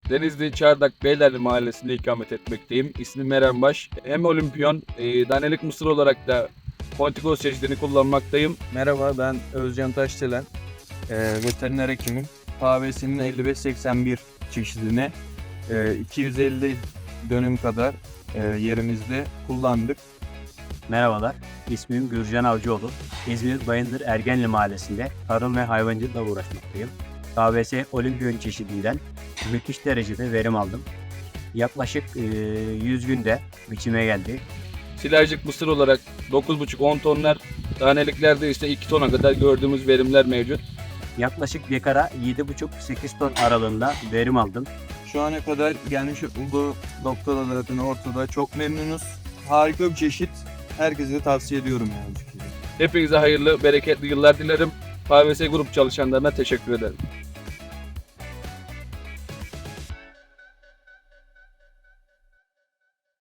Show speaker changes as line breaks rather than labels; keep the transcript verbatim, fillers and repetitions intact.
Denizli Çardak Beylerli Mahallesi'nde ikamet etmekteyim. İsmim Eren Baş. Hem olimpiyon, e, danelik mısır olarak da Pontikos çeşidini kullanmaktayım.
Merhaba, ben Özcan Taşdelen, e, veteriner hekimim. K V S'nin elli beş seksen bir çeşidini e, iki yüz elli dönüm kadar e, yerimizde kullandık.
Merhabalar, ismim Gürcan Avcıoğlu. İzmir Bayındır Ergenli Mahallesi'nde tarım ve hayvancılıkla uğraşmaktayım. K V S Olimpiyon çeşidinden müthiş derecede verim aldım. Yaklaşık e, yüz günde biçime geldi.
Silajcık mısır olarak dokuz buçuk on tonlar, daneliklerde ise iki tona kadar gördüğümüz verimler mevcut.
Yaklaşık dekara yedi buçuk sekiz ton aralığında verim aldım.
Şu ana kadar gelmiş olduğu noktada zaten ortada. Çok memnunuz. Harika bir çeşit. Herkese de tavsiye ediyorum yani bu şekilde.
Hepinize hayırlı, bereketli yıllar dilerim. K V S Grup çalışanlarına teşekkür ederim.